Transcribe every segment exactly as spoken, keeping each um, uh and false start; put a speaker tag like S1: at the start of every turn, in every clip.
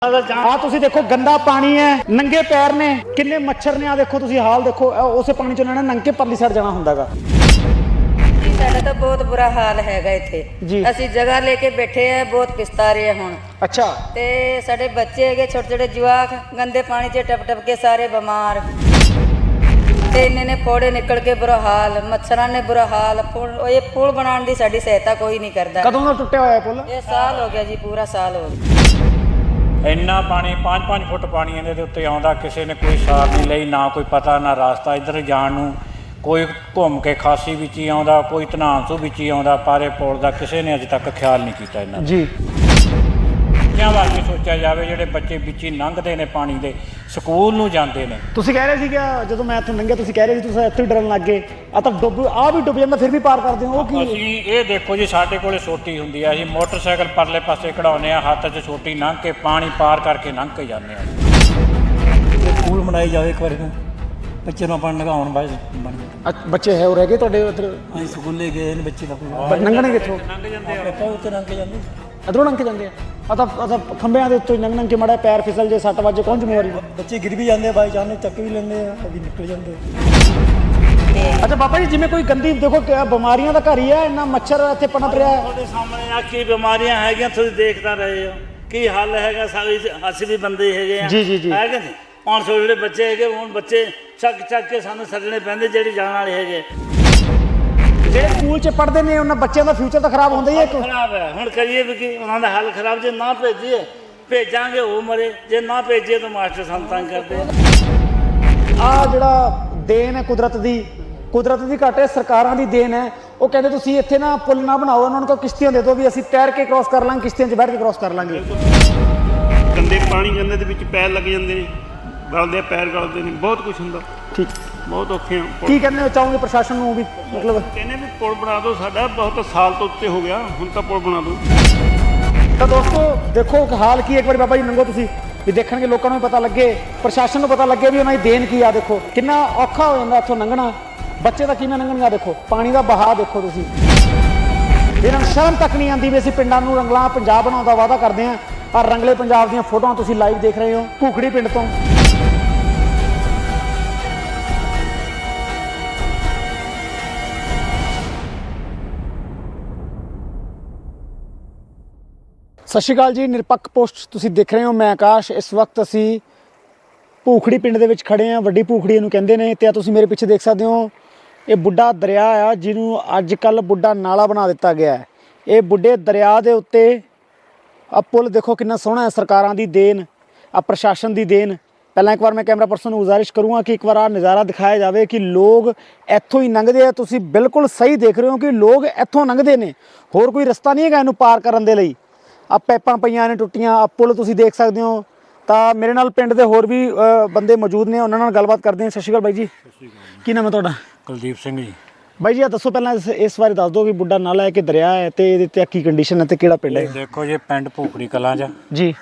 S1: ਆ ਤੁਸੀਂ ਦੇਖੋ ਗੰਦਾ ਪਾਣੀ ਹੈ, ਨੰਗੇ ਪੈਰ ਨੇ, ਕਿੰਨੇ ਮੱਛਰ ਨੇ। ਆ ਦੇਖੋ ਤੁਸੀਂ ਹਾਲ ਦੇਖੋ, ਉਸੇ ਪਾਣੀ ਚ ਉਹਨਾਂ ਨੇ ਨੰਗੇ ਪਰਲੀ ਸਾਈਡ ਜਾਣਾ ਹੁੰਦਾਗਾ।
S2: ਸਾਡਾ ਤਾਂ ਬਹੁਤ ਬੁਰਾ ਹਾਲ ਹੈਗਾ ਇੱਥੇ। ਅਸੀਂ ਜਗ੍ਹਾ ਲੈ ਕੇ ਬੈਠੇ ਆ, ਬਹੁਤ ਪਛਤਾ ਰਹੇ ਹੁਣ।
S1: ਅੱਛਾ।
S2: ਤੇ ਸਾਡੇ ਬੱਚੇ ਹੈਗੇ ਛੋਟੇ ਛੋਟੇ ਜਵਾਕ, ਗੰਦੇ ਪਾਣੀ 'ਚ ਟਪ ਟਪ ਕੇ ਸਾਰੇ ਬਿਮਾਰ। ਤੇ ਇੰਨੇ ਨੇ ਫੋੜੇ ਨਿਕਲ ਕੇ ਬੁਰਾ ਹਾਲ, ਮੱਛਰਾਂ ਨੇ ਬੁਰਾ ਹਾਲ। ਪੁਲ ਇਹ ਪੁਲ ਬਣਾਉਣ ਦੀ ਸਾਡੀ ਸਹਾਇਤਾ ਕੋਈ ਨਹੀਂ ਕਰਦਾ।
S1: ਕਦੋਂ ਦਾ ਟੁੱਟਿਆ ਹੋਇਆ ਪੁਲ?
S2: ਇਹ ਸਾਲ ਹੋ ਗਿਆ ਜੀ, ਪੂਰਾ ਸਾਲ ਹੋ ਗਿਆ।
S3: ਇੰਨਾ ਪਾਣੀ ਪੰਜ ਪੰਜ ਫੁੱਟ ਪਾਣੀ ਇਹਦੇ ਦੇ ਉੱਤੇ ਆਉਂਦਾ, ਕਿਸੇ ਨੇ ਕੋਈ ਸਾਰ ਨਹੀਂ ਲਈ, ਨਾ ਕੋਈ ਪਤਾ ਨਾ ਰਾਸਤਾ ਇੱਧਰ ਜਾਣ ਨੂੰ। ਕੋਈ ਘੁੰਮ ਕੇ ਖਾਸੀ ਵਿੱਚ ਹੀ ਆਉਂਦਾ, ਕੋਈ ਧਨਾਂਸੂ ਵਿੱਚ ਹੀ ਆਉਂਦਾ, ਪਰ ਇਹ ਪੁਲ ਦਾ ਕਿਸੇ ਨੇ ਅਜੇ ਤੱਕ ਖਿਆਲ ਨਹੀਂ ਕੀਤਾ ਇਹਨਾਂ
S1: ਜੀ।
S3: ਬੱਚਿਆਂ ਵਾਸਤੇ ਸੋਚਿਆ ਜਾਵੇ, ਜਿਹੜੇ ਬੱਚੇ ਵਿੱਚ ਹੀ ਲੰਘਦੇ ਨੇ ਪਾਣੀ ਦੇ, ਸਕੂਲ ਨੂੰ ਜਾਂਦੇ ਨੇ।
S1: ਤੁਸੀਂ ਕਹਿ ਰਹੇ ਸੀ ਕਿ ਜਦੋਂ ਮੈਂ ਇੱਥੋਂ ਲੰਘਿਆ ਤੁਸੀਂ ਕਹਿ ਰਹੇ ਸੀ ਤੁਸੀਂ ਇੱਥੇ ਹੀ ਡਰਨ ਲੱਗ ਗਏ। ਆ ਤਾਂ ਡੁੱਬ ਆ ਵੀ ਡੁੱਬ ਜਾਂਦਾ, ਫਿਰ ਵੀ ਪਾਰ ਕਰਦੇ ਹੋ। ਉਹ ਕੀ?
S3: ਅਸੀਂ ਇਹ ਦੇਖੋ ਜੀ, ਸਾਡੇ ਕੋਲੇ ਸੋਟੀ ਹੁੰਦੀ ਆ, ਅਸੀਂ ਮੋਟਰਸਾਈਕਲ ਪਰਲੇ ਪਾਸੇ ਕਢਾਉਂਦੇ ਆ, ਹੱਥ 'ਚ ਸੋਟੀ ਲੰਘ ਕੇ ਪਾਣੀ ਪਾਰ ਕਰਕੇ ਲੰਘ ਕੇ ਜਾਂਦੇ ਆ।
S4: ਸਕੂਲ ਬਣਾਈ ਜਾਵੇ ਇੱਕ ਵਾਰੀ, ਬੱਚੇ ਨੂੰ ਆਪਾਂ ਨਗਾਉਣ ਬਾਅਦ ਬਣ
S1: ਅੱਛਾ, ਬੱਚੇ ਹੈ ਉਹ ਰਹਿ ਗਏ ਤੁਹਾਡੇ ਉੱਧਰ?
S4: ਅਸੀਂ ਸਕੂਲੇ ਗਏ ਨੇ ਬੱਚੇ ਦਾ
S1: ਲੰਘਣੇ ਕਿੱਥੋਂ?
S3: ਲੰਘ ਜਾਂਦੇ ਆ,
S4: ਆਪਾਂ ਉੱਤੇ ਲੰਘ ਕੇ ਜਾਂਦੇ।
S1: ਅਧਰੋਂ ਲੰਘ ਕੇ ਜਾਂਦੇ ਆ। ਆ ਤਾਂ ਆ ਤਾਂ ਖੰਭਿਆਂ ਦੇ ਉੱਤੋਂ ਲੰਘ ਲੰਘ ਕੇ ਮਾੜਾ ਪੈਰ ਫਿਸਲ ਜੇ, ਸੱਟ ਵੱਜ, ਕੌਣ ਜ਼ਿੰਮੇਵਾਰੀ?
S4: ਬੱਚੇ ਗਿਰ ਵੀ ਜਾਂਦੇ ਆ, ਬਾਈ ਚਾਹਨੇ ਚੱਕ ਵੀ ਲੈਂਦੇ ਆ, ਅभी ਨਿਕਲ ਜਾਂਦੇ।
S1: ਅੱਛਾ ਬਾਬਾ ਜੀ, ਜਿਵੇਂ ਕੋਈ ਗੰਦੀ ਦੇਖੋ ਬਿਮਾਰੀਆਂ ਦਾ ਘਰ ਹੀ ਹੈ, ਇੰਨਾ ਮੱਛਰ ਇੱਥੇ ਪਨਪ ਰਿਹਾ ਹੈ।
S5: ਤੁਹਾਡੇ ਸਾਹਮਣੇ ਆ ਕੀ ਬਿਮਾਰੀਆਂ ਹੈਗੀਆਂ, ਤੁਸੀਂ ਦੇਖਦਾ ਰਹੇ ਹੋ ਕੀ ਹੱਲ ਹੈਗਾ। ਸਾਰੇ ਅਸੀਂ ਵੀ ਬੰਦੇ ਹੈਗੇ ਆ,
S1: ਜੀ ਜੀ ਜੀ,
S5: ਹੈਗੇ ਨੇ। ਪੰਜ ਸੌ ਜਿਹੜੇ ਬੱਚੇ ਹੈਗੇ, ਹੁਣ ਬੱਚੇ ਚੱਕ ਚੱਕ ਕੇ ਸਾਨੂੰ ਛੱਡਣੇ ਪੈਂਦੇ, ਜਿਹੜੇ ਜਾਣ ਵਾਲੇ ਹੈਗੇ।
S1: ਜਿਹੜੇ ਸਕੂਲ 'ਚ ਪੜ੍ਹਦੇ ਨੇ ਉਹਨਾਂ ਬੱਚਿਆਂ ਦਾ ਫਿਊਚਰ ਤਾਂ ਖਰਾਬ ਹੁੰਦਾ ਹੀ ਹੈ।
S5: ਖਰਾਬ ਹੈ, ਹੁਣ ਕਰੀਏ ਵੀ ਕੀ? ਉਹਨਾਂ ਦਾ ਹੱਲ ਖਰਾਬ। ਜੇ ਨਾ ਭੇਜੀਏ, ਭੇਜਾਂਗੇ ਉਹ ਮਰੇ, ਜੇ ਨਾ ਭੇਜੀਏ ਤਾਂ ਮਾਸਟਰ ਸਾਨੂੰ ਤੰਗ ਕਰਦੇ।
S1: ਆ ਜਿਹੜਾ ਦੇਣ ਹੈ ਕੁਦਰਤ ਦੀ, ਕੁਦਰਤ ਦੀ ਘੱਟ ਹੈ, ਸਰਕਾਰਾਂ ਦੀ ਦੇਣ ਹੈ। ਉਹ ਕਹਿੰਦੇ ਤੁਸੀਂ ਇੱਥੇ ਨਾ ਪੁਲ ਨਾ ਬਣਾਓ, ਉਹਨਾਂ ਨੂੰ ਕਹੋ ਕਿਸ਼ਤੀਆਂ ਦੇ ਦਿਓ, ਵੀ ਅਸੀਂ ਤੈਰ ਕੇ ਕ੍ਰੋਸ ਕਰ ਲਾਂਗੇ, ਕਿਸ਼ਤੀਆਂ 'ਚ ਬੈਠ ਕੇ ਕ੍ਰੋਸ ਕਰ ਲਾਂਗੇ।
S6: ਗੰਦੇ ਪਾਣੀ ਗੰਦੇ ਦੇ ਵਿੱਚ ਪੈਰ ਲੱਗ ਜਾਂਦੇ ਨੇ, ਗਲਦੇ ਪੈਰ ਗਲਦੇ ਨੇ, ਬਹੁਤ ਕੁਝ ਹੁੰਦਾ।
S1: ਠੀਕ,
S6: ਬਹੁਤ ਔਖੇ ਆ।
S1: ਕੀ ਕਹਿੰਦੇ ਚਾਹੋਗੇ ਪ੍ਰਸ਼ਾਸਨ ਨੂੰ ਵੀ? ਮਤਲਬ
S6: ਕਹਿੰਦੇ ਵੀ ਪੁਲ ਬਣਾ ਦਿਓ, ਸਾਡਾ ਬਹੁਤ ਸਾਲ ਤੋਂ ਉੱਤੇ ਹੋ ਗਿਆ, ਹੁਣ ਤਾਂ ਪੁਲ ਬਣਾ ਦਿਓ।
S1: ਤਾਂ ਦੋਸਤੋ ਦੇਖੋ ਹਾਲ ਕੀ, ਇੱਕ ਵਾਰੀ ਬਾਬਾ ਜੀ ਲੰਘੋ ਤੁਸੀਂ ਵੀ, ਦੇਖਣਗੇ ਲੋਕਾਂ ਨੂੰ ਵੀ ਪਤਾ ਲੱਗੇ, ਪ੍ਰਸ਼ਾਸਨ ਨੂੰ ਪਤਾ ਲੱਗੇ ਵੀ ਉਹਨਾਂ ਦੀ ਦੇਣ ਕੀ ਆ। ਦੇਖੋ ਕਿੰਨਾ ਔਖਾ ਹੋ ਜਾਂਦਾ ਇੱਥੋਂ ਲੰਘਣਾ, ਬੱਚੇ ਦਾ ਕਿਵੇਂ ਲੰਘਣਗਾ। ਦੇਖੋ ਪਾਣੀ ਦਾ ਬਹਾਅ ਦੇਖੋ ਤੁਸੀਂ, ਇਹਨਾਂ ਨੂੰ ਸ਼ਰਮ ਤੱਕ ਨਹੀਂ ਆਉਂਦੀ ਵੀ ਅਸੀਂ ਪਿੰਡਾਂ ਨੂੰ ਰੰਗਲਾ ਪੰਜਾਬ ਬਣਾਉਣ ਦਾ ਵਾਅਦਾ ਕਰਦੇ ਹਾਂ। ਆਹ ਰੰਗਲੇ ਪੰਜਾਬ ਦੀਆਂ ਫੋਟੋਆਂ ਤੁਸੀਂ ਲਾਈਵ ਦੇਖ ਰਹੇ ਹੋ ਭੂਖੜੀ ਪਿੰਡ ਤੋਂ। ਸਤਿ ਸ਼੍ਰੀ ਅਕਾਲ ਜੀ, ਨਿਰਪੱਖ ਪੋਸਟ ਤੁਸੀਂ ਦੇਖ ਰਹੇ ਹੋ, ਮੈਂ ਆਕਾਸ਼। ਇਸ ਵਕਤ ਅਸੀਂ ਭੂਖੜੀ ਪਿੰਡ ਦੇ ਵਿੱਚ ਖੜੇ ਹਾਂ, ਵੱਡੀ ਭੂਖੜੀ ਇਹਨੂੰ ਕਹਿੰਦੇ ਨੇ। ਤੇ ਆ ਤੁਸੀਂ ਮੇਰੇ ਪਿੱਛੇ ਦੇਖ ਸਕਦੇ ਹੋ, ਇਹ ਬੁੱਢਾ ਦਰਿਆ ਆ, ਜਿਹਨੂੰ ਅੱਜ ਕੱਲ੍ਹ ਬੁੱਢਾ ਨਾਲਾ ਬਣਾ ਦਿੱਤਾ ਗਿਆ ਹੈ। ਇਹ ਬੁੱਢੇ ਦਰਿਆ ਦੇ ਉੱਤੇ ਆ ਪੁਲ ਦੇਖੋ ਕਿੰਨਾ ਸੋਹਣਾ ਹੈ, ਸਰਕਾਰਾਂ ਦੀ ਦੇਣ, ਆ ਪ੍ਰਸ਼ਾਸਨ ਦੀ ਦੇਣ। ਪਹਿਲਾਂ ਇੱਕ ਵਾਰ ਮੈਂ ਕੈਮਰਾ ਪਰਸਨ ਨੂੰ ਗੁਜ਼ਾਰਿਸ਼ ਕਰੂੰਗਾ ਕਿ ਇੱਕ ਵਾਰ ਆ ਨਜ਼ਾਰਾ ਦਿਖਾਇਆ ਜਾਵੇ ਕਿ ਲੋਕ ਇੱਥੋਂ ਹੀ ਲੰਘਦੇ ਆ। ਤੁਸੀਂ ਬਿਲਕੁਲ ਸਹੀ ਦੇਖ ਰਹੇ ਹੋ ਕਿ ਲੋਕ ਇੱਥੋਂ ਲੰਘਦੇ ਨੇ, ਹੋਰ ਕੋਈ ਰਸਤਾ ਨਹੀਂ ਹੈਗਾ ਇਹਨੂੰ ਪਾਰ ਕਰਨ ਦੇ ਲਈ। ਆ ਪੈਪਾਂ ਪਈਆਂ ਨੇ ਟੁੱਟੀਆਂ, ਆ ਪੁਲ ਤੁਸੀਂ ਦੇਖ ਸਕਦੇ ਹੋ। ਤਾਂ ਮੇਰੇ ਨਾਲ ਪਿੰਡ ਦੇ ਹੋਰ ਵੀ ਬੰਦੇ ਮੌਜੂਦ ਨੇ, ਉਹਨਾਂ ਨਾਲ ਗੱਲਬਾਤ ਕਰਦੇ ਹਾਂ। ਸਤਿ ਸ਼੍ਰੀ ਅਕਾਲ ਬਾਈ ਜੀ। ਕੀ ਨਾਮ ਹੈ ਤੁਹਾਡਾ?
S3: ਕੁਲਦੀਪ ਸਿੰਘ ਜੀ।
S1: ਬਾਈ ਜੀ ਆ ਦੱਸੋ ਪਹਿਲਾਂ ਇਸ ਇਸ ਬਾਰੇ ਦੱਸ ਦਿਓ ਕਿ ਬੁੱਢਾ ਨਾਲਾ ਹੈ ਕਿ ਦਰਿਆ ਹੈ, ਤੇ ਇਹਦੇ ਤੇ ਕੀ ਕੰਡੀਸ਼ਨ ਹੈ, ਤੇ ਕਿਹੜਾ ਪਿੰਡ ਹੈ?
S3: ਦੇਖੋ ਜੀ, ਪਿੰਡ ਭੂਖੜੀ ਕਲਾਂ 'ਚ
S1: ਜੀ।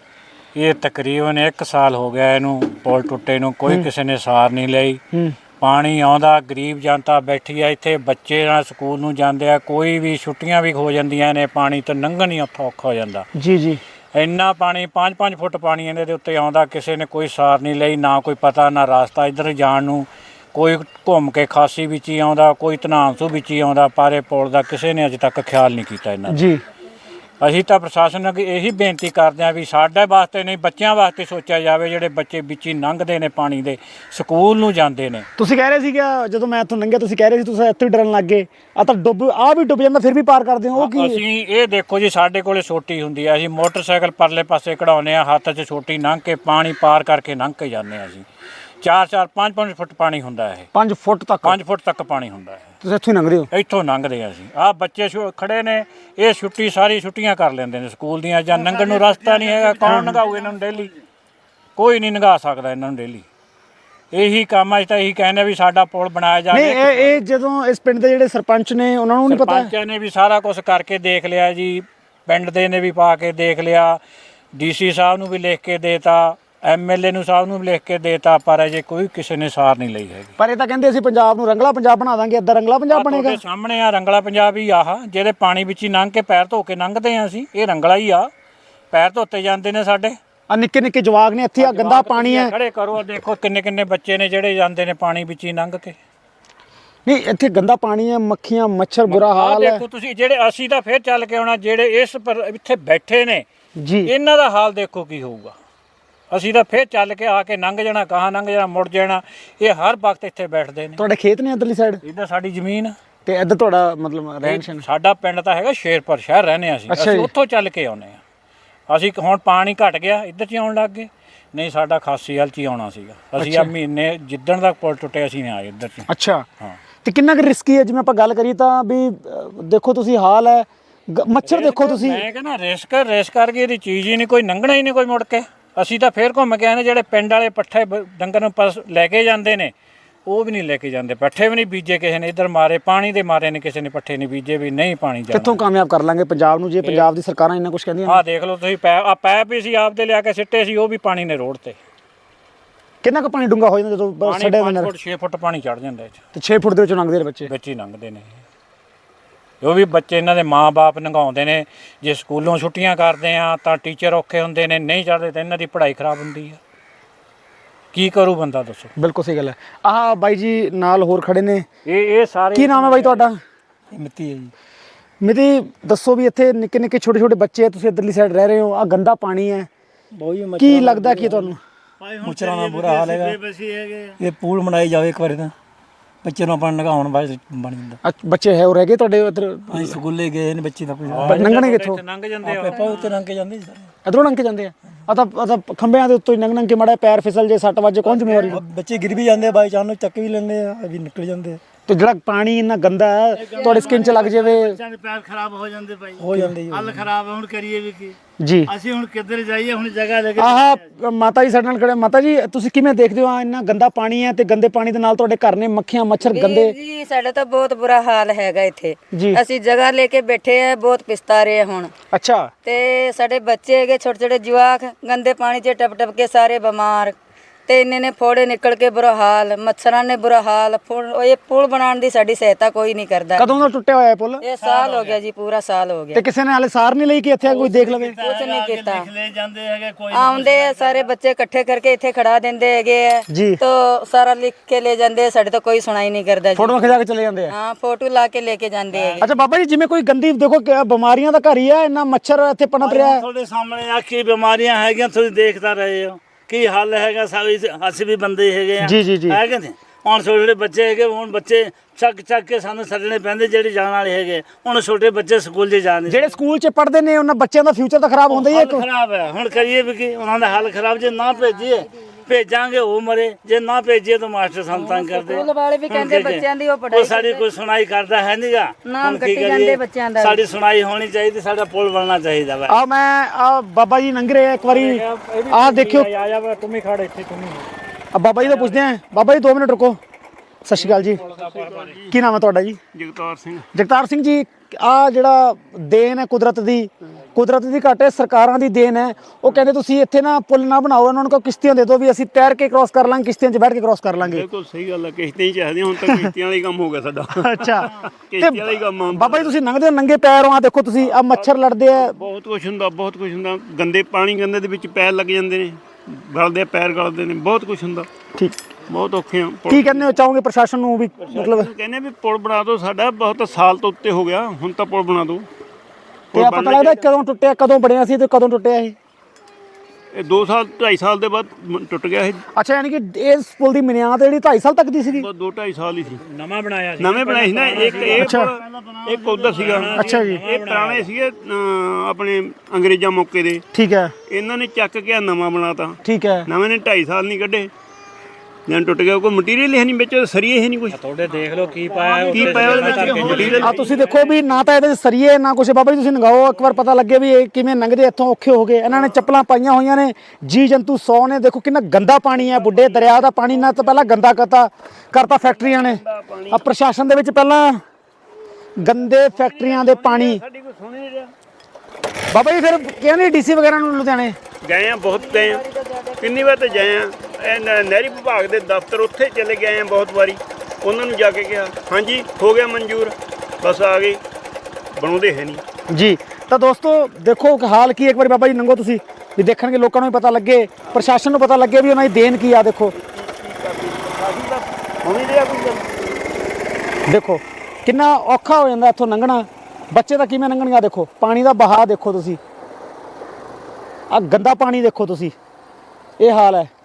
S3: ਇਹ ਤਕਰੀਬਨ ਇੱਕ ਸਾਲ ਹੋ ਗਿਆ ਇਹਨੂੰ ਪੁਲ ਟੁੱਟੇ ਨੂੰ, ਕੋਈ ਕਿਸੇ ਨੇ ਸਾਰ ਨਹੀਂ ਲਈ। ਪਾਣੀ ਆਉਂਦਾ, ਗਰੀਬ ਜਨਤਾ ਬੈਠੀ ਆ ਇੱਥੇ, ਬੱਚੇ ਨਾਲ ਸਕੂਲ ਨੂੰ ਜਾਂਦੇ ਆ, ਕੋਈ ਵੀ ਛੁੱਟੀਆਂ ਵੀ ਹੋ ਜਾਂਦੀਆਂ ਨੇ, ਪਾਣੀ ਤੋਂ ਲੰਘਣ ਹੀ ਔਖਾ ਔਖਾ ਹੋ ਜਾਂਦਾ।
S1: ਜੀ ਜੀ।
S3: ਇੰਨਾ ਪਾਣੀ ਪੰਜ ਪੰਜ ਫੁੱਟ ਪਾਣੀ ਇਹਦੇ ਦੇ ਉੱਤੇ ਆਉਂਦਾ, ਕਿਸੇ ਨੇ ਕੋਈ ਸਾਰ ਨਹੀਂ ਲਈ, ਨਾ ਕੋਈ ਪਤਾ ਨਾ ਰਾਸਤਾ ਇੱਧਰ ਜਾਣ ਨੂੰ। ਕੋਈ ਘੁੰਮ ਕੇ ਖਾਸੀ ਵਿੱਚ ਹੀ ਆਉਂਦਾ, ਕੋਈ ਧਨਾਂਸੂ ਵਿੱਚ ਹੀ ਆਉਂਦਾ, ਪਰ ਇਹ ਪੁਲ ਦਾ ਕਿਸੇ ਨੇ ਅਜੇ ਤੱਕ ਖਿਆਲ ਨਹੀਂ ਕੀਤਾ ਇਹਨਾਂ ਦਾ।
S1: ਜੀ।
S3: ਅਸੀਂ ਤਾਂ ਪ੍ਰਸ਼ਾਸਨ ਅੱਗੇ ਇਹੀ ਬੇਨਤੀ ਕਰਦੇ ਹਾਂ ਵੀ ਸਾਡੇ ਵਾਸਤੇ ਨਹੀਂ, ਬੱਚਿਆਂ ਵਾਸਤੇ ਸੋਚਿਆ ਜਾਵੇ, ਜਿਹੜੇ ਬੱਚੇ ਵਿੱਚ ਹੀ ਲੰਘਦੇ ਨੇ ਪਾਣੀ ਦੇ, ਸਕੂਲ ਨੂੰ ਜਾਂਦੇ ਨੇ।
S1: ਤੁਸੀਂ ਕਹਿ ਰਹੇ ਸੀ ਕਿ ਜਦੋਂ ਮੈਂ ਇੱਥੋਂ ਲੰਘਿਆ ਤੁਸੀਂ ਕਹਿ ਰਹੇ ਸੀ ਤੁਸੀਂ ਇੱਥੇ ਹੀ ਡਰਨ ਲੱਗ ਗਏ। ਆ ਤਾਂ ਡੁੱਬ ਆ ਵੀ ਡੁੱਬ ਜਾਂਦਾ, ਫਿਰ ਵੀ ਪਾਰ ਕਰਦੇ ਹੋ। ਉਹ ਕੀ?
S3: ਅਸੀਂ ਇਹ ਦੇਖੋ ਜੀ, ਸਾਡੇ ਕੋਲੇ ਸੋਟੀ ਹੁੰਦੀ ਆ, ਅਸੀਂ ਮੋਟਰਸਾਈਕਲ ਪਰਲੇ ਪਾਸੇ ਕਢਾਉਂਦੇ ਆ, ਹੱਥ 'ਚ ਸੋਟੀ ਲੰਘ ਕੇ ਪਾਣੀ ਪਾਰ ਕਰਕੇ ਲੰਘ ਕੇ ਜਾਂਦੇ ਹਾਂ। ਅਸੀਂ ਚਾਰ ਚਾਰ ਪੰਜ ਪੰਜ ਫੁੱਟ ਪਾਣੀ ਹੁੰਦਾ ਇਹ,
S1: ਪੰਜ ਫੁੱਟ ਤੱਕ?
S3: ਪੰਜ ਫੁੱਟ ਤੱਕ ਪਾਣੀ ਹੁੰਦਾ ਹੈ।
S1: ਤੁਸੀਂ ਇੱਥੋਂ ਹੀ ਲੰਘਦੇ ਹੋ?
S3: ਇੱਥੋਂ ਲੰਘਦੇ ਆ ਅਸੀਂ। ਆਹ ਬੱਚੇ ਖੜੇ ਨੇ, ਇਹ ਛੁੱਟੀ ਸਾਰੀ ਛੁੱਟੀਆਂ ਕਰ ਲੈਂਦੇ ਨੇ ਸਕੂਲ ਦੀਆਂ, ਜਾਂ ਲੰਘਣ ਨੂੰ ਰਸਤਾ ਨਹੀਂ ਹੈਗਾ, ਕੌਣ ਲੰਘਾਊ ਇਹਨਾਂ ਨੂੰ ਡੇਲੀ? ਕੋਈ ਨਹੀਂ ਲੰਘਾ ਸਕਦਾ ਇਹਨਾਂ ਨੂੰ ਡੇਲੀ। ਇਹੀ ਕੰਮ ਅੱਜ ਤਾਂ ਇਹੀ ਕਹਿੰਦੇ ਵੀ ਸਾਡਾ ਪੁਲ ਬਣਾਇਆ ਜਾਵੇ।
S1: ਨਹੀਂ ਇਹ ਇਹ ਜਦੋਂ ਇਸ ਪਿੰਡ ਦੇ ਜਿਹੜੇ ਸਰਪੰਚ ਨੇ ਉਹਨਾਂ ਨੂੰ ਨਹੀਂ ਪਤਾ?
S3: ਸਰਪੰਚਾਂ ਨੇ ਵੀ ਸਾਰਾ ਕੁਝ ਕਰਕੇ ਦੇਖ ਲਿਆ ਜੀ, ਪਿੰਡ ਦੇ ਨੇ ਵੀ ਪਾ ਕੇ ਦੇਖ ਲਿਆ, ਡੀਸੀ ਸਾਹਿਬ ਨੂੰ ਵੀ ਲਿਖ ਕੇ ਦੇਤਾ, ਐਮ ਐਲ ਏ ਨੂੰ ਸਾਹਿਬ ਨੂੰ ਲਿਖ ਕੇ ਦੇਤਾ, ਪਰ ਅਜੇ ਕੋਈ ਕਿਸੇ ਨੇ ਸਾਰ ਨਹੀਂ ਲਈ ਹੈਗੀ।
S1: ਪਰ ਇਹ ਤਾਂ ਕਹਿੰਦੇ ਅਸੀਂ ਪੰਜਾਬ ਨੂੰ ਰੰਗਲਾ ਪੰਜਾਬ ਬਣਾ ਦਾਂਗੇ, ਇੱਦਾਂ ਰੰਗਲਾ ਪੰਜਾਬ ਬਣੇਗਾ?
S3: ਤੁਹਾਡੇ ਸਾਹਮਣੇ ਆ ਰੰਗਲਾ ਪੰਜਾਬ ਹੀ ਆਹ, ਜਿਹਦੇ ਪਾਣੀ ਵਿੱਚ ਹੀ ਲੰਘ ਕੇ ਪੈਰ ਧੋ ਕੇ ਲੰਘਦੇ ਆ ਅਸੀਂ, ਇਹ ਰੰਗਲਾ ਹੀ ਆ। ਪੈਰ ਧੋਤੇ ਜਾਂਦੇ ਨੇ ਸਾਡੇ।
S1: ਆ ਨਿੱਕੇ ਨਿੱਕੇ ਜਵਾਕ ਨੇ ਇੱਥੇ, ਆ ਗੰਦਾ ਪਾਣੀ ਹੈ।
S3: ਖੜੇ ਕਰੋ, ਦੇਖੋ ਕਿੰਨੇ ਕਿੰਨੇ ਬੱਚੇ ਨੇ ਜਿਹੜੇ ਜਾਂਦੇ ਨੇ ਪਾਣੀ ਵਿੱਚ ਹੀ ਲੰਘ ਕੇ।
S1: ਨਹੀਂ ਇੱਥੇ ਗੰਦਾ ਪਾਣੀ ਹੈ, ਮੱਖੀਆਂ ਮੱਛਰ ਬੁਰਾ
S3: ਆਹ
S1: ਹਾਲ ਹੈ
S3: ਦੇਖੋ ਤੁਸੀਂ, ਜਿਹੜੇ ਅਸੀਂ ਤਾਂ ਫੇਰ ਚੱਲ ਕੇ ਆਉਣਾ, ਜਿਹੜੇ ਇਸ ਪਰ ਇੱਥੇ ਬੈਠੇ ਨੇ
S1: ਜੀ,
S3: ਇਹਨਾਂ ਦਾ ਹਾਲ ਦੇਖੋ ਕੀ ਹੋਊਗਾ। ਅਸੀਂ ਤਾਂ ਫੇਰ ਚੱਲ ਕੇ ਆ ਕੇ ਲੰਘ ਜਾਣਾ, ਕਹਾਂ ਲੰਘ ਜਾਣਾ, ਮੁੜ ਜਾਣਾ। ਇਹ ਹਰ ਵਕਤ ਇੱਥੇ ਬੈਠਦੇ ਨੇ।
S1: ਤੁਹਾਡੇ ਖੇਤ ਨੇ ਇੱਧਰਲੀ ਸਾਈਡ
S3: ਇੱਧਰ ਸਾਡੀ ਜ਼ਮੀਨ ਆ।
S1: ਤੇ ਇੱਧਰ ਤੁਹਾਡਾ ਮਤਲਬ ਰਹਿਣ ਸਹਿਣ?
S3: ਸਾਡਾ ਪਿੰਡ ਤਾਂ ਹੈਗਾ ਸ਼ੇਰਪੁਰ ਸ਼ਹਿਰ, ਰਹਿੰਦੇ ਹਾਂ ਅਸੀਂ।
S1: ਅੱਛਾ
S3: ਅਸੀਂ
S1: ਜੀ।
S3: ਉੱਥੋਂ ਚੱਲ ਕੇ ਆਉਨੇ ਆ। ਅਸੀਂ ਹੁਣ ਪਾਣੀ ਘਟ ਗਿਆ, ਇੱਧਰ 'ਚ ਹੀ ਆਉਣ ਲੱਗ ਗਏ। ਨਹੀਂ ਸਾਡਾ ਖਾਸੀ ਹਾਲ 'ਚ ਹੀ ਆਉਣਾ ਸੀਗਾ। ਅਸੀਂ ਆ ਮਹੀਨੇ ਜਿੱਦਣ ਦਾ ਪੁਲ ਟੁੱਟਿਆ ਅਸੀਂ ਨੇ ਆਏ ਇੱਧਰ 'ਚ।
S1: ਅੱਛਾ,
S3: ਹਾਂ।
S1: ਤੇ ਕਿੰਨਾ ਕੁ ਰਿਸਕੀ ਹੈ? ਜਿਵੇਂ ਆਪਾਂ ਗੱਲ ਕਰੀਏ ਤਾਂ ਵੀ ਅ, ਦੇਖੋ ਤੁਸੀਂ ਹਾਲ ਹੈ, ਗ- ਮੱਛਰ ਦੇਖੋ ਤੁਸੀਂ।
S3: ਮੈਂ ਕਹਿੰਦਾ ਰਿਸਕ ਰਿਸਕ ਕਰਕੇ ਇਹਦੀ ਚੀਜ਼ ਹੀ ਨਹੀਂ, ਕੋਈ ਲੰਘਣਾ ਹੀ ਨਹੀਂ ਕੋਈ ਮੁੜ ਕੇ। ਅਸੀਂ ਤਾਂ ਫੇਰ ਘੁੰਮ ਕੇ ਆਏ ਨੇ। ਜਿਹੜੇ ਪਿੰਡ ਵਾਲੇ ਪੱਠੇ ਬ- ਡੰਗਰ ਨੂੰ ਪਸ ਲੈ ਕੇ ਜਾਂਦੇ ਨੇ, ਉਹ ਵੀ ਨਹੀਂ ਲੈ ਕੇ ਜਾਂਦੇ। ਪੱਠੇ ਵੀ ਨਹੀਂ ਬੀਜੇ ਕਿਸੇ ਨੇ, ਇੱਧਰ ਮਾਰੇ ਪਾਣੀ ਦੇ ਮਾਰੇ ਨੇ, ਕਿਸੇ ਨੇ ਪੱਠੇ ਨਹੀਂ ਬੀਜੇ ਵੀ ਨਹੀਂ ਪਾਣੀ ਜਾਣਾ।
S1: ਕਿੱਥੋਂ ਕਾਮਯਾਬ ਕਰ ਲਾਂਗੇ ਪੰਜਾਬ ਨੂੰ ਜੇ ਪੰਜਾਬ ਦੀ ਸਰਕਾਰਾਂ ਇੰਨਾ ਕੁਝ ਕਹਿੰਦੀਆਂ ਨੇ?
S3: ਆਹ ਦੇਖ ਲਓ ਤੁਸੀਂ, ਪੈ ਆ ਪੈਪ ਵੀ ਸੀ ਆਪਦੇ ਲਿਆ ਕੇ ਸਿੱਟੇ ਸੀ, ਉਹ ਵੀ ਪਾਣੀ ਨੇ ਰੋੜ ਤੇ।
S1: ਕਿੰਨਾ ਕੁ ਪਾਣੀ ਡੂੰਘਾ ਹੋ ਜਾਂਦਾ ਜਦੋਂ ਬ-
S3: ਪਾਣੀ
S1: ਸੜੇ
S3: ਪੰਜ
S1: ਬੰਦੇ
S3: ਫੁੱਟ ਛੇ ਫੁੱਟ ਪਾਣੀ ਚੜ ਜਾਂਦਾ ਇੱਥੇ
S1: ਤੇ ਛੇ ਫੁੱਟ ਦੇ ਵਿੱਚੋਂ ਲੰਘਦੇ ਨੇ ਬੱਚੇ?
S3: ਵਿੱਚ ਹੀ ਲੰਘਦੇ ਨੇ। ਉਹ ਵੀ ਬੱਚੇ ਇਹਨਾਂ ਦੇ ਮਾਂ-ਬਾਪ ਨੰਗਾਉਂਦੇ ਨੇ। ਜੇ ਸਕੂਲੋਂ ਛੁੱਟੀਆਂ ਕਰਦੇ ਆ ਤਾਂ ਟੀਚਰ ਔਖੇ ਹੁੰਦੇ ਨੇ, ਨਹੀਂ ਚੜਦੇ ਤਾਂ ਇਹਨਾਂ ਦੀ ਪੜ੍ਹਾਈ ਖਰਾਬ ਹੁੰਦੀ ਆ। ਕੀ ਕਰੂ ਬੰਦਾ ਦੱਸੋ?
S1: ਬਿਲਕੁਲ ਸਹੀ ਗੱਲ ਹੈ। ਆਹ ਬਾਈ ਜੀ ਨਾਲ ਹੋਰ ਖੜੇ ਨੇ,
S3: ਇਹ ਇਹ ਸਾਰੇ
S1: ਕੀ ਨਾਮ ਹੈ ਬਾਈ ਤੁਹਾਡਾ?
S4: ਮਿੱਤੀ ਹੈ ਜੀ।
S1: ਮਿਤੀ ਦੱਸੋ ਵੀ ਇੱਥੇ ਨਿੱਕੇ ਨਿੱਕੇ ਛੋਟੇ ਛੋਟੇ ਬੱਚੇ, ਤੁਸੀਂ ਇੱਧਰਲੀ ਸਾਈਡ ਰਹਿ ਰਹੇ ਹੋ, ਆ ਗੰਦਾ ਪਾਣੀ ਹੈ,
S4: ਬਹੁਤ ਹੀ
S1: ਕੀ ਲੱਗਦਾ ਕੀ ਤੁਹਾਨੂੰ?
S4: ਮੁਚਰਾਂ ਦਾ ਬੁਰਾ ਹਾਲ ਹੈਗਾ।
S5: ਬੇਬਸੀ ਹੈਗੇ
S4: ਇਹ ਪੂਲ ਬਣਾਈ ਜਾਵੇ ਇੱਕ ਵਾਰੀ ਤਾਂ, ਬੱਚੇ ਨੂੰ ਆਪਾਂ ਨਗਾਉਣ ਬਾਅਦ ਬਣ ਜਾਂਦਾ।
S1: ਅੱਛਾ, ਬੱਚੇ ਹੈ ਉਹ ਰਹਿ ਗਏ ਤੁਹਾਡੇ ਉੱਧਰ?
S4: ਅਸੀਂ ਸਕੂਲੇ ਗਏ ਨੇ, ਬੱਚੇ ਦਾ ਕੋਈ
S1: ਲੰਘਣੇ ਕਿੱਥੋਂ?
S3: ਲੰਘ ਜਾਂਦੇ ਆ।
S4: ਪੇਪਰ ਉੱਤੇ ਲੰਘ ਕੇ ਜਾਂਦੇ ਸੀ ਸਾਰੇ।
S1: ਇੱਧਰੋਂ ਲੰਘ ਕੇ ਜਾਂਦੇ ਆ? ਆ ਤਾਂ ਆ ਤਾਂ ਖੰਭਿਆਂ ਦੇ ਉੱਤੋਂ ਹੀ ਲੰਘ ਲੰਘ ਕੇ ਮਾੜਾ ਪੈਰ ਫਿਸਲ ਜੇ, ਸੱਟ ਵੱਜੇ, ਕੌਣ ਜ਼ਿੰਮੇਵਾਰੀ?
S4: ਆ ਬੱਚੇ ਗਿਰ ਵੀ ਜਾਂਦੇ ਆ, ਬਾਈ ਚਾਂਸ ਨੂੰ ਚੱਕ ਵੀ ਲੈਂਦੇ ਆ, ਇਹ ਵੀ ਨਿਕਲ ਜਾਂਦੇ ਆ।
S1: ਤੇ ਜਿਹੜਾ ਪਾਣੀ ਇੰਨਾ ਗੰਦਾ ਹੈ, ਤੁਹਾਡੀ ਸਕਿਨ 'ਚ ਲੱਗ ਜਾਵੇ?
S5: ਬੱਚਿਆਂ ਦੇ ਪੈਰ ਖਰਾਬ ਹੋ ਜਾਂਦੇ ਭਾਈ,
S4: ਹੋ ਜਾਂਦੇ ਜੀ।
S5: ਹੱਲ ਖਰਾਬ ਹੈ। ਹੁਣ ਕਰੀਏ ਵੀ ਕੀ?
S1: ਜੀ।
S5: ਅਸੀਂ ਹੁਣ ਕਿੱਧਰ ਜਾਈਏ? ਹੁਣ ਜਗ੍ਹਾ ਲੈ ਕੇ
S1: ਆਹ ਮਾਤਾ ਜੀ ਸਾਡੇ ਨਾਲ ਖੜੇ। ਮਾਤਾ ਜੀ ਤੁਸੀਂ ਕਿਵੇਂ ਦੇਖਦੇ ਹੋ, ਆ ਇੰਨਾ ਗੰਦਾ ਪਾਣੀ ਹੈ ਤੇ ਗੰਦੇ ਪਾਣੀ ਦੇ ਨਾਲ ਤੁਹਾਡੇ ਘਰ ਨੇ ਮੱਖੀਆਂ ਮੱਛਰ ਗੰਦੇ?
S2: ਵੀਰ ਜੀ ਸਾਡਾ ਤਾਂ ਬਹੁਤ ਬੁਰਾ ਹਾਲ ਹੈਗਾ ਇੱਥੇ।
S1: ਜੀ।
S2: ਅਸੀਂ ਜਗ੍ਹਾ ਲੈ ਕੇ ਬੈਠੇ ਆ, ਬਹੁਤ ਪਛਤਾ ਰਹੇ ਆ ਹੁਣ।
S1: ਅੱਛਾ।
S2: ਤੇ ਸਾਡੇ ਬੱਚੇ ਹੈਗੇ ਛੋਟੇ ਛੋਟੇ ਜਵਾਕ, ਗੰਦੇ ਪਾਣੀ 'ਚ ਟਪ ਟਪ ਕੇ ਸਾਰੇ ਬਿਮਾਰ। ਤੇ ਇੰਨੇ ਨੇ ਫੋੜੇ ਨਿਕਲ ਕੇ ਬੁਰਾ ਹਾਲ, ਮੱਛਰਾਂ ਨੇ ਬੁਰਾ ਹਾਲ। ਪੁਲ ਇਹ ਪੁਲ ਬਣਾਉਣ ਦੀ ਸਾਡੀ ਸਹਾਇਤਾ ਕੋਈ ਨਹੀਂ ਕਰਦਾ।
S1: ਕਦੋਂ ਦਾ ਟੁੱਟਿਆ ਹੋਇਆ ਹੈ ਪੁਲ?
S2: ਇਹ ਸਾਲ ਹੋ ਗਿਆ ਜੀ, ਪੂਰਾ ਸਾਲ ਹੋ ਗਿਆ।
S1: ਤੇ ਕਿਸੇ ਨੇ ਹਾਲੇ ਸਾਰ ਨਹੀਂ ਲਈ ਕਿ ਇੱਥੇ ਕੋਈ ਦੇਖ ਲਵੇ?
S2: ਕੁਝ ਨਹੀਂ ਕੀਤਾ।
S5: ਲੈ ਜਾਂਦੇ ਹੈਗੇ, ਕੋਈ
S2: ਆਉਂਦੇ ਆ ਸਾਰੇ ਬੱਚੇ ਇਕੱਠੇ ਕਰਕੇ ਇੱਥੇ ਖੜਾ ਦਿੰਦੇ ਹੈਗੇ ਆ,
S1: ਜੀ।
S2: ਤਾਂ ਸਾਰਾ ਲਿਖ ਕੇ ਲੈ ਜਾਂਦੇ ਆ, ਸਾਡੇ ਤਾਂ ਕੋਈ ਸੁਣਾਈ ਨਹੀਂ ਕਰਦਾ ਜੀ।
S1: ਫੋਟੋਆਂ ਖਿਚਾ ਕੇ ਚਲੇ ਜਾਂਦੇ ਆ?
S2: ਹਾਂ, ਫੋਟੋ ਲਾ ਕੇ ਲੈ ਕੇ ਜਾਂਦੇ ਹੈਗੇ।
S1: ਅੱਛਾ ਬਾਬਾ ਜੀ, ਜਿਵੇਂ ਕੋਈ ਗੰਦੀ ਦੇਖੋ ਕਿ ਬਿਮਾਰੀਆਂ ਦਾ ਘਰ ਹੀ ਹੈ, ਇੰਨਾ ਮੱਛਰ ਇੱਥੇ ਪਨਪ ਰਿਹਾ ਹੈ।
S5: ਤੁਹਾਡੇ ਸਾਹਮਣੇ ਆ ਕੀ ਬਿਮਾਰੀਆਂ ਹੈਗੀਆਂ, ਤੁਸੀਂ ਦੇਖਦਾ ਰਹੇ ਹੋ ਕੀ ਹਾਲ ਹੈਗਾ। ਸਾਰੇ ਅਸੀਂ ਵੀ ਬੰਦੇ ਹੈਗੇ ਆ,
S1: ਜੀ, ਜੀ, ਜੀ।
S5: ਹੈ ਕਿ ਨਹੀਂ? ਹੁਣ ਛੋਟੇ ਛੋਟੇ ਬੱਚੇ ਹੈਗੇ, ਹੁਣ ਬੱਚੇ ਚੱਕ ਚੱਕ ਕੇ ਸਾਨੂੰ ਛੱਡਣੇ ਪੈਂਦੇ ਜਿਹੜੇ ਜਾਣ ਵਾਲੇ ਹੈਗੇ। ਹੁਣ ਛੋਟੇ ਬੱਚੇ ਸਕੂਲ 'ਚ ਜਾਣ
S1: ਜਿਹੜੇ ਸਕੂਲ 'ਚ ਪੜ੍ਹਦੇ ਨੇ ਉਹਨਾਂ ਬੱਚਿਆਂ ਦਾ ਫਿਊਚਰ ਤਾਂ ਖਰਾਬ ਹੁੰਦਾ ਹੀ ਹੈ।
S5: ਹਾਲ ਖਰਾਬ ਹੈ। ਹੁਣ ਕਰੀਏ ਵੀ ਕੀ? ਉਹਨਾਂ ਦਾ ਹਾਲ ਖਰਾਬ। ਜੇ ਨਾ ਭੇਜੀਏ ਭੇਜਾਂਗੇ ਉਹ ਮਰੇ, ਜੇ ਨਾ ਭੇਜੀਏ ਤਾਂ ਮਾਸਟਰ ਸਾਨੂੰ ਤੰਗ ਕਰਦੇ।
S2: ਸਕੂਲ ਵਾਲੇ ਵੀ
S5: ਹੁਣ
S2: ਕਹਿੰਦੇ
S5: ਕੀ ਕਰੀਏ?
S2: ਬੱਚਿਆਂ ਦੀ ਉਹ ਪੜ੍ਹਾਈ
S5: ਉਹ ਸਾਡੀ ਕੋਈ ਸੁਣਾਈ ਕਰਦਾ ਹੈ ਨਹੀਂਗਾ।
S2: ਨਾਮ ਕੱਟੀ ਜਾਂਦੇ ਬੱਚਿਆਂ ਦਾ।
S5: ਸਾਡੀ ਸੁਣਾਈ ਹੋਣੀ ਚਾਹੀਦੀ, ਸਾਡਾ ਪੁਲ ਬਣਨਾ ਚਾਹੀਦਾ ਵਾ।
S1: ਆ ਮੈਂ ਆ ਬਾਬਾ ਜੀ ਲੰਘ ਰਹੇ ਆ ਇੱਕ ਵਾਰੀ, ਆ ਦੇਖਿਓ।
S3: ਆ ਜਾ ਵਾ, ਤੂੰ ਵੀ ਖੜ ਇੱਥੇ, ਤੂੰ ਵੀ।
S1: ਆ ਬਾਬਾ ਜੀ ਤੋਂ ਪੁੱਛਦੇ ਆ। ਬਾਬਾ ਜੀ ਦੋ ਮਿੰਟ ਰੁਕੋ। ਸਤਿ ਸ਼੍ਰੀ ਅਕਾਲ ਜੀ, ਕੀ ਨਾਮ ਹੈ ਤੁਹਾਡਾ ਜੀ?
S6: ਜਗਤਾਰ ਸਿੰਘ।
S1: ਜਗਤਾਰ ਸਿੰਘ ਜੀ, ਆ ਜਿਹੜਾ ਦੇਣ ਹੈ ਕੁਦਰਤ ਦੀ, ਕੁਦਰਤ ਦੀ ਘਾਟ ਹੈ, ਸਰਕਾਰਾਂ ਦੀ ਦੇਣ ਹੈ। ਉਹ ਕਹਿੰਦੇ ਤੁਸੀਂ ਇੱਥੇ ਨਾ ਪੁਲ ਨਾ ਬਣਾਓ, ਉਹਨਾਂ ਨੂੰ ਕਹੋ ਕਿਸ਼ਤੀਆਂ ਦੇ ਦਿਓ ਵੀ ਅਸੀਂ ਤੈਰ ਕੇ ਕ੍ਰਾਸ ਕਰ ਲਾਂਗੇ, ਕਿਸ਼ਤੀਆਂ 'ਚ ਬੈਠ ਕੇ ਕ੍ਰਾਸ ਕਰ ਲਾਂਗੇ।
S6: ਬਿਲਕੁਲ ਸਹੀ ਗੱਲ ਹੈ, ਕਿਸ਼ਤੀਆਂ ਹੀ ਚਾਹੀਦੀਆਂ ਹੁਣ ਤਾਂ। ਕਿਸ਼ਤੀਆਂ ਵਾਲਾ ਹੀ ਕੰਮ ਹੋ ਗਿਆ ਸਾਡਾ।
S1: ਅੱਛਾ।
S6: ਕਿਸ਼ਤੀਆਂ ਵਾਲਾ ਹੀ ਕੰਮ ਆ ਹੁਣ।
S1: ਬਾਬਾ ਜੀ ਤੁਸੀਂ ਲੰਘਦੇ ਹੋ ਨੰਗੇ ਪੈਰ ਹੋ, ਆ ਦੇਖੋ ਤੁਸੀਂ, ਆ ਮੱਛਰ ਲੜਦੇ ਆ।
S6: ਬਹੁਤ ਕੁਝ ਹੁੰਦਾ, ਬਹੁਤ ਕੁਝ ਹੁੰਦਾ। ਗੰਦੇ ਪਾਣੀ ਗੰਦੇ ਦੇ ਵਿੱਚ ਪੈਰ ਲੱਗ ਜਾਂਦੇ ਨੇ, ਗਲਦੇ ਆ, ਪੈਰ ਗਲਦੇ ਨੇ, ਬਹੁਤ ਕੁਝ ਹੁੰਦਾ।
S1: ਠੀਕ।
S6: ਬਹੁਤ ਔਖੇ ਆ।
S1: ਕੀ ਕਹਿੰਦੇ ਹੋ, ਚਾਹੋਗੇ ਪ੍ਰਸ਼ਾਸਨ ਨੂੰ ਵੀ ਮਤਲਬ?
S6: ਕਹਿੰਦੇ ਵੀ ਪੁਲ ਬਣਾ ਦਿਓ ਸਾਡਾ, ਬਹੁਤ ਸਾਲ ਤੋਂ ਉੱਤੇ ਹੋ ਗਿਆ, ਹੁਣ ਤਾਂ ਪੁਲ ਬਣਾ ਦਿਓ।
S1: ਤੇ ਆ ਪਤਾ ਲੱਗਦਾ ਕਦੋਂ ਟੁੱਟਿਆ, ਕਦੋਂ ਬਣਿਆ ਸੀ ਤੇ ਕਦੋਂ ਟੁੱਟਿਆ ਇਹ?
S6: ਇਹ ਦੋ ਸਾਲ ਢਾਈ ਸਾਲ ਦੇ ਬਾਅਦ ਮ- ਟੁੱਟ ਗਿਆ ਇਹ।
S1: ਅੱਛਾ, ਯਾਨੀ ਕਿ ਇਸ ਪੁਲ ਦੀ ਮਿਆਦ ਜਿਹੜੀ ਢਾਈ ਸਾਲ ਤੱਕ ਦੀ ਸੀਗੀ?
S6: ਬਸ ਦੋ ਢਾਈ ਸਾਲ ਹੀ ਸੀ।
S3: ਨਵਾਂ ਬਣਾਇਆ ਸੀ।
S6: ਨਵੇਂ ਬਣਾਏ ਸੀ ਨਾ, ਇੱਕ ਇਹ
S1: ਅੱਛਾ।
S6: ਪੁਲ, ਇੱਕ ਉਧਰ ਸੀਗਾ।
S1: ਅੱਛਾ ਜੀ।
S6: ਇਹ ਪੁਰਾਣੇ ਸੀਗੇ ਅਹ, ਆਪਣੇ ਅੰਗਰੇਜ਼ਾਂ ਮੌਕੇ ਦੇ।
S1: ਠੀਕ ਹੈ,
S6: ਇਹਨਾਂ ਨੇ ਚੱਕ ਕੇ ਆਹ ਨਵਾਂ ਬਣਾਤਾ।
S1: ਠੀਕ ਹੈ।
S6: ਨਵੇਂ ਨੇ ਢਾਈ ਸਾਲ ਨਹੀਂ ਕੱਢੇ, ਜਨ ਟੁੱਟ ਗਿਆ। ਕੋਈ ਮਟੀਰੀਅਲ ਹੈ ਨਹੀਂ ਵਿੱਚ, ਸਰੀਏ ਹੈ ਨਹੀਂ ਕੁਝ।
S3: ਤੁਹਾਡੇ ਦੇਖ ਲਓ ਕੀ ਪਾਇਆ
S6: ਕੀ ਪਾਇਆ ਉਹਦੇ ਵਿੱਚ ਮਟੀਰੀਅਲ?
S1: ਆ ਤੁਸੀਂ ਦੇਖੋ ਵੀ ਨਾ ਤਾਂ ਇਹਦੇ 'ਚ ਸਰੀਏ ਨਾ ਕੁਛ। ਬਾਬਾ ਜੀ ਤੁਸੀਂ ਨਗਾਓ ਇੱਕ ਵਾਰ, ਪਤਾ ਲੱਗੇ ਵੀ ਇਹ ਕਿਵੇਂ ਲੰਘਦੇ ਇੱਥੋਂ, ਔਖੇ ਹੋ ਗਏ। ਇਹਨਾਂ ਨੇ ਚੱਪਲਾਂ ਪਾਈਆਂ ਹੋਈਆਂ ਨੇ, ਜੀ ਜੰਤੂ ਸੌ ਨੇ। ਦੇਖੋ ਕਿੰਨਾ ਗੰਦਾ ਪਾਣੀ ਹੈ, ਬੁੱਢੇ ਦਰਿਆ ਦਾ ਪਾਣੀ ਨਾ ਤਾਂ ਪਹਿਲਾਂ ਗੰਦਾ ਕਰਤਾ ਕਰਤਾ ਫੈਕਟਰੀਆਂ ਨੇ। ਆ ਪ੍ਰਸ਼ਾਸਨ ਦੇ ਵਿੱਚ ਪਹਿਲਾਂ ਗੰਦੇ ਫੈਕਟਰੀਆਂ ਦੇ ਪਾਣੀ।
S6: ਸਾਡੀ ਕੋਈ ਸੁਣ ਨਹੀਂ ਰਿਹਾ।
S1: ਬਾਬਾ ਜੀ ਫਿਰ ਕਹਿੰਦੇ ਡੀਸੀ ਵਗੈਰਾ ਨੂੰ ਲੁਧਿਆਣੇ
S6: ਗਏ ਆ, ਬਹੁਤ ਗਏ ਆ, ਕਿੰਨੀ ਵਾਰ ਤੇ ਗਏ ਆ। ਇਹ ਨ- ਨਹਿਰੀ ਵਿਭਾਗ ਦੇ ਦਫ਼ਤਰ ਉੱਥੇ ਚਲੇ ਗਏ ਆ ਬਹੁਤ ਵਾਰੀ। ਉਹਨਾਂ ਨੂੰ ਜਾ ਕੇ ਕਿਹਾ ਹਾਂਜੀ ਹੋ ਗਿਆ ਮਨਜ਼ੂਰ, ਬਸ ਆ ਗਈ, ਬਣਾਉਂਦੇ ਹੈ ਨਹੀਂ।
S1: ਜੀ। ਤਾਂ ਦੋਸਤੋ ਦੇਖੋ ਕਿ ਹਾਲ ਕੀ, ਇੱਕ ਵਾਰੀ ਬਾਬਾ ਜੀ ਲੰਘੋ ਤੁਸੀਂ। ਵੀ ਦੇਖਣਗੇ, ਲੋਕਾਂ ਨੂੰ ਵੀ ਪਤਾ ਲੱਗੇ, ਪ੍ਰਸ਼ਾਸਨ ਨੂੰ ਪਤਾ ਲੱਗੇ ਵੀ ਉਹਨਾਂ ਦੀ ਦੇਣ ਕੀ ਆ। ਦੇਖੋ
S5: ਹੁਣੀ ਦੇ ਕੋਈ ਗੱਲ
S1: ਦੇਖੋ ਕਿੰਨਾ ਔਖਾ ਹੋ ਜਾਂਦਾ ਇੱਥੋਂ ਲੰਘਣਾ। ਬੱਚੇ ਤਾਂ ਕਿਵੇਂ ਲੰਘਣਗੇ? ਦੇਖੋ ਪਾਣੀ ਦਾ ਬਹਾਅ ਦੇਖੋ ਤੁਸੀਂ, ਆ ਗੰਦਾ ਪਾਣੀ ਦੇਖੋ ਤੁਸੀਂ, ਇਹ ਹਾਲ ਹੈ।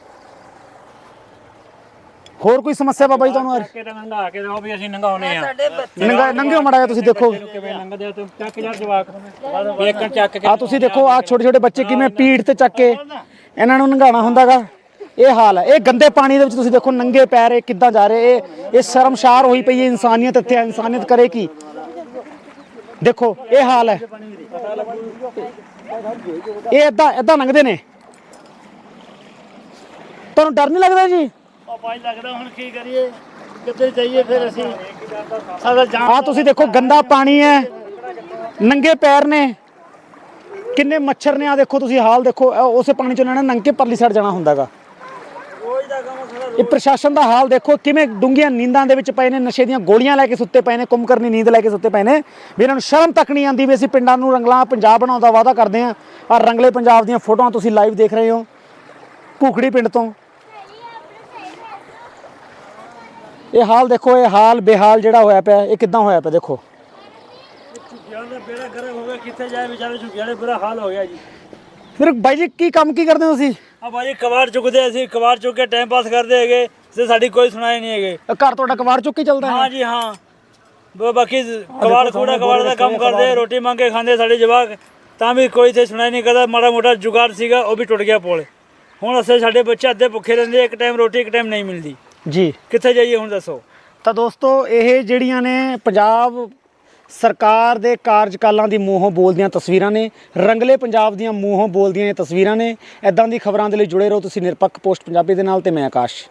S1: ਹੋਰ ਕੋਈ ਸਮੱਸਿਆ ਬਾਬਾ ਜੀ ਤੁਹਾਨੂੰ?
S3: ਚੱਕ ਕੇ ਤਾਂ ਲੰਘਾ ਕੇ ਦਿਓ ਵੀ ਅਸੀਂ ਲੰਘਾਉਨੇ ਆ।
S2: ਸਾਡੇ ਬੱਚੇ
S1: ਨੰਗਾ ਨੰਗਿਓ ਮੜਾ ਤੁਸੀਂ ਦੇਖੋ,
S3: ਕਿਵੇਂ ਲੰਘਦੇ ਆ? ਤੂੰ ਚੱਕ ਯਾਰ ਜਵਾਕ ਇੱਕ ਚੱਕ ਕੇ
S1: ਆ ਤੁਸੀਂ ਦੇਖੋ ਆ ਛੋਟੇ ਛੋਟੇ ਬੱਚੇ ਕਿਵੇਂ ਪੀੜ ਤੇ ਚੱਕ ਕੇ ਇਹਨਾਂ ਨੂੰ ਨੰਗਾਉਣਾ ਹੁੰਦਾਗਾ। ਇਹ ਹਾਲ ਹੈ। ਇਹ ਗੰਦੇ ਪਾਣੀ ਦੇ ਵਿੱਚ ਤੁਸੀਂ ਦੇਖੋ ਨੰਗੇ ਪੈਰ ਇਹ ਕਿੱਦਾਂ ਜਾ ਰਹੇ। ਇਹ ਇਹ ਸ਼ਰਮਸ਼ਾਰ ਹੋਈ ਪਈ ਹੈ ਇਨਸਾਨੀਅਤ ਇੱਥੇ। ਇਨਸਾਨੀਅਤ ਕਰੇ ਕੀ? ਦੇਖੋ ਇਹ ਹਾਲ ਹੈ। ਇਹ ਏਦਾਂ ਏਦਾਂ ਲੰਘਦੇ ਨੇ। ਤੁਹਾਨੂੰ ਡਰ ਨਹੀਂ ਲੱਗਦਾ ਜੀ?
S5: ਉਹ ਪਾਣੀ ਲੱਗਦਾ, ਹੁਣ ਕੀ ਕਰੀਏ, ਕਿੱਥੇ ਜਾਈਏ ਫਿਰ ਅਸੀਂ? ਸਾਡਾ ਜਾਨ
S1: ਆ ਤੁਸੀਂ ਦੇਖੋ ਗੰਦਾ ਪਾਣੀ ਹੈ, ਨੰਗੇ ਪੈਰ ਨੇ, ਕਿੰਨੇ ਮੱਛਰ ਨੇ। ਆ ਦੇਖੋ ਤੁਸੀਂ ਹਾਲ ਦੇਖੋ, ਇਹ ਉਸੇ ਪਾਣੀ ਚੋਂ ਇਹਨਾਂ ਨੇ ਨੰਗ ਕੇ ਪਰਲੀ ਸਾਈਡ ਜਾਣਾ ਹੁੰਦਾਗਾ। ਇਹ ਪ੍ਰਸ਼ਾਸਨ ਦਾ ਹਾਲ ਦੇਖੋ, ਕਿਵੇਂ ਡੂੰਘੀਆਂ ਨੀਂਦਾਂ ਦੇ ਵਿੱਚ ਪਏ ਨੇ, ਨਸ਼ੇ ਦੀਆਂ ਗੋਲੀਆਂ ਲੈ ਕੇ ਸੁੱਤੇ ਪਏ ਨੇ, ਕੁੰਭਕਰਨੀ ਨੀਂਦ ਲੈ ਕੇ ਸੁੱਤੇ ਪਏ ਨੇ ਵੀ ਇਹਨਾਂ ਨੂੰ ਸ਼ਰਮ ਤੱਕ ਨਹੀਂ ਆਉਂਦੀ ਵੀ ਅਸੀਂ ਪਿੰਡਾਂ ਨੂੰ ਰੰਗਲਾ ਪੰਜਾਬ ਬਣਾਉਣ ਦਾ ਵਾਅਦਾ ਕਰਦੇ ਹਾਂ। ਆ ਰੰਗਲੇ ਪੰਜਾਬ ਦੀਆਂ ਫੋਟੋਆਂ ਤੁਸੀਂ ਲਾਈਵ ਦੇਖ ਰਹੇ ਹੋ ਭੂਖੜੀ ਪਿੰਡ ਤੋਂ। ਇਹ ਹਾਲ ਦੇਖੋ, ਇਹ ਹਾਲ ਬੇਹਾਲ ਜਿਹੜਾ ਹੋਇਆ ਪਿਆ, ਇਹ ਕਿੱਦਾਂ ਹੋਇਆ ਪਿਆ ਦੇਖੋ।
S4: ਬੇੜਾ ਗਰਮ ਹੋ ਗਿਆ, ਕਿੱਥੇ ਜਾਏ ਵਿਚਾਰੇ ਝੁੱਗੀਆਂ ਦੇ ਬੁਰਾ ਹਾਲ ਹੋ ਗਿਆ ਜੀ।
S1: ਫਿਰ ਬਾਈ ਜੀ ਕੀ ਕੰਮ ਕੀ ਕਰਦੇ ਹੋ ਤੁਸੀਂ?
S4: ਆ ਭਾਜੀ ਕਬਾੜ ਚੁੱਕਦੇ, ਅਸੀਂ ਕਬਾੜ ਚੁੱਕ ਕੇ ਟਾਈਮ ਪਾਸ ਕਰਦੇ ਹੈਗੇ ਤੇ ਸਾਡੀ ਕੋਈ ਸੁਣਾਈ ਨਹੀਂ ਹੈਗੇ।
S1: ਇਹ ਘਰ ਤੁਹਾਡਾ ਕਬਾੜ ਚੁੱਕ ਕੇ ਚੱਲਦਾ ਹੈ?
S4: ਹਾਂ ਜੀ ਹਾਂ, ਬ- ਬਾਕੀ ਕਬਾੜ ਕੂੜਾ ਕਬਾੜ ਦਾ ਕੰਮ ਕਰਦੇ, ਰੋਟੀ ਮੰਗ ਕੇ ਖਾਂਦੇ ਸਾਡੇ ਜਵਾਕ, ਤਾਂ ਵੀ ਕੋਈ ਇੱਥੇ ਸੁਣਾਈ ਨਹੀਂ ਕਰਦਾ। ਮਾੜਾ ਮੋਟਾ ਜੁਗਾੜ ਸੀਗਾ ਉਹ ਵੀ ਟੁੱਟ ਗਿਆ ਪੁਲ। ਹੁਣ ਅਸੀਂ ਸਾਡੇ ਬੱਚੇ ਅੱਧੇ ਭੁੱਖੇ ਰਹਿੰਦੇ, ਇੱਕ ਟਾਈਮ ਰੋਟੀ ਇੱਕ ਟਾਈਮ ਨਹੀਂ ਮਿਲਦੀ।
S1: ਜੀ
S4: ਕਿੱਥੇ ਜਾਈਏ ਹੁਣ ਦੱਸੋ?
S1: ਤਾਂ ਦੋਸਤੋ ਇਹ ਜਿਹੜੀਆਂ ਨੇ ਪੰਜਾਬ ਸਰਕਾਰ ਦੇ ਕਾਰਜਕਾਲਾਂ ਦੀ ਮੂੰਹੋਂ ਬੋਲਦੀਆਂ ਤਸਵੀਰਾਂ ਨੇ, ਰੰਗਲੇ ਪੰਜਾਬ ਦੀਆਂ ਮੂੰਹੋਂ ਬੋਲਦੀਆਂ ਇਹ ਤਸਵੀਰਾਂ ਨੇ। ਐਦਾਂ ਦੀ ਖਬਰਾਂ ਦੇ ਲਈ ਜੁੜੇ ਰਹੋ ਤੁਸੀਂ ਨਿਰਪੱਖ ਪੋਸਟ ਪੰਜਾਬੀ ਦੇ ਨਾਲ, ਤੇ ਮੈਂ ਆਕਾਸ਼।